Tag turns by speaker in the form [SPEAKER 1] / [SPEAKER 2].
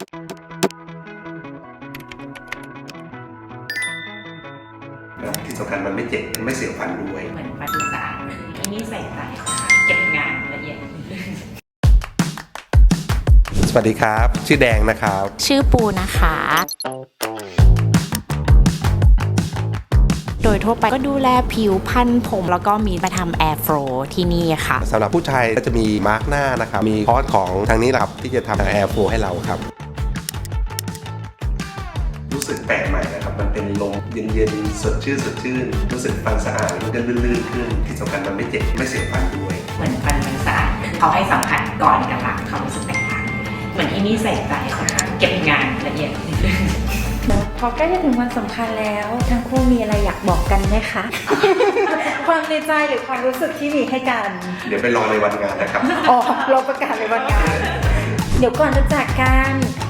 [SPEAKER 1] ที่สำคัญมันไม่เจ็บมันไม่เสียวฟันด้วย
[SPEAKER 2] เหมือนปฏิสารที่นี่ใส่ใจเก็บงานละเอียด
[SPEAKER 1] สวัสดีครับชื่อแดงนะครับ
[SPEAKER 3] ชื่อปูนะคะโดยทั่วไปก็ดูแลผิวพรรณผมแล้วก็มีมาทำแอร์โฟลที่นี่ค่ะ
[SPEAKER 1] สำหรับผู้ชายก็จะมีมาร์กหน้านะครับมีคอร์สของทางนี้แหละครับที่จะทำแอร์โฟลให้เราครับรู้สึกแปลกใหม่นะครับมันเป็นลมเย็นๆสดชื่นรู้สึกฟันสะอาดมันก็ลื่นๆขึ้นที่สำคัญมันไม่เจ็บไม่เสียวฟันด้วย
[SPEAKER 2] เหมือนฟันมันสะอาดเขาให้สัมผัสก่อนกับหลังเขารู้สึกแตกต่างเหมือนที่นี่ใส่ใจเก็บงานละเอียด
[SPEAKER 4] พอใกล้จะถึงวันสำคัญแล้วทั้งคู่มีอะไรอยากบอกกันไหมคะ ความในใจหรือความรู้สึกที่มีให้กัน
[SPEAKER 1] เดี๋ยวไปรอในวันงานนะครับ
[SPEAKER 4] อ๋อเราประกาศในวันงานเดี๋ยวก่อนจะจากกัน